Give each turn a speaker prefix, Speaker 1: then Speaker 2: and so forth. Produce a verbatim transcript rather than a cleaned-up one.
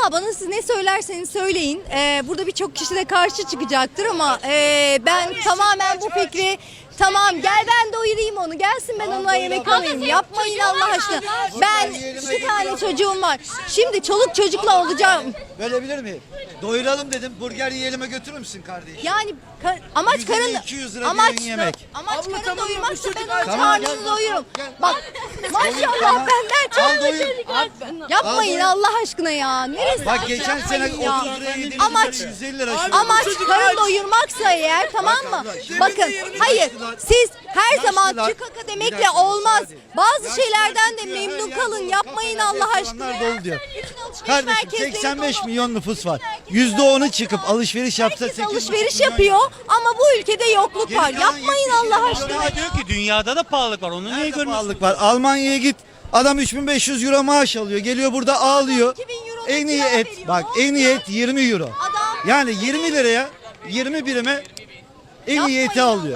Speaker 1: Vallahi bana siz ne söylerseniz söyleyin. Ee, burada birçok kişi de karşı çıkacaktır ama e, ben tamamen bu fikri tamam gel ben doyurayım onu gelsin ben ona yemek alayım. Yapmayın Allah aşkına. Ben iki tane çocuğum var. Şimdi çoluk çocukla olacağım.
Speaker 2: Bölebilir miyim? Doyuralım dedim. Burger yiyelim'e götürür müsün kardeşim?
Speaker 1: Yani ka- amaç
Speaker 2: yüz elli,
Speaker 1: karın
Speaker 2: iki yüz lira
Speaker 1: amaç
Speaker 2: bir yemek.
Speaker 1: amaç
Speaker 3: Abla,
Speaker 1: karın
Speaker 3: tamam,
Speaker 1: doyurmaksa
Speaker 3: bu
Speaker 1: ben
Speaker 3: çocuk-
Speaker 1: onun
Speaker 2: Tamam,
Speaker 1: karnını
Speaker 2: gel,
Speaker 1: doyururum.
Speaker 2: gel.
Speaker 1: Bak maşallah
Speaker 2: Tamam.
Speaker 1: benden
Speaker 2: Al
Speaker 1: çok
Speaker 2: doyur.
Speaker 1: yapmayın
Speaker 2: doyur.
Speaker 1: Allah aşkına ya. Neresi?
Speaker 2: Bak geçen sene
Speaker 1: Yapmayın ya.
Speaker 2: otuz liraya yediğimiz
Speaker 1: Amaç-
Speaker 2: yemek yüz elli lira. şu an.
Speaker 1: Amaç
Speaker 3: Çocuk
Speaker 1: karın
Speaker 3: aç.
Speaker 1: doyurmaksa eğer tamam mı?
Speaker 2: abla, şimdi
Speaker 1: Bakın
Speaker 3: yerini
Speaker 1: hayır
Speaker 2: yaşlılar-
Speaker 1: siz her zaman
Speaker 2: yaşlılar-
Speaker 1: çıkaka
Speaker 2: Bir
Speaker 1: demekle
Speaker 2: dakika,
Speaker 1: olmaz.
Speaker 2: müsaade.
Speaker 1: Bazı
Speaker 2: Yaşlılar
Speaker 1: şeylerden de
Speaker 2: çıkıyor, her
Speaker 1: memnun
Speaker 2: yer
Speaker 1: kalın.
Speaker 2: dolu,
Speaker 1: Yapmayın
Speaker 2: kafeler,
Speaker 1: Allah aşkına.
Speaker 2: restoranlar dolu diyor.
Speaker 1: Bütün alışveriş
Speaker 2: Kardeşim
Speaker 1: merkezleri
Speaker 2: seksen beş
Speaker 1: dolu.
Speaker 2: milyon nüfus var.
Speaker 1: merkezleri
Speaker 2: yüzde onu
Speaker 1: dolu
Speaker 2: çıkıp
Speaker 1: ya.
Speaker 2: alışveriş yapsa
Speaker 1: Herkes
Speaker 2: sekiz buçuk
Speaker 1: alışveriş
Speaker 2: milyon
Speaker 1: yapıyor ama bu ülkede yokluk
Speaker 2: Geri
Speaker 1: var.
Speaker 2: kalan
Speaker 1: Yapmayın
Speaker 2: yetmiş
Speaker 1: Allah
Speaker 2: milyon
Speaker 1: aşkına.
Speaker 2: lira
Speaker 1: ya.
Speaker 4: Diyor ki dünyada da pahalılık var. Onu niye
Speaker 2: Nerede
Speaker 4: görmüyorsun?
Speaker 2: pahalılık var? Almanya'ya git. Adam üç bin beş yüz euro maaş alıyor. Geliyor burada ağlıyor.
Speaker 1: iki bin euro
Speaker 2: En iyi
Speaker 1: kira
Speaker 2: et.
Speaker 1: veriyor.
Speaker 2: Bak en iyi et yirmi euro.
Speaker 1: Adam-
Speaker 2: Yani yirmi liraya yirmi birime en iyi
Speaker 1: Yapmayın
Speaker 2: eti
Speaker 1: ya.
Speaker 2: alıyor.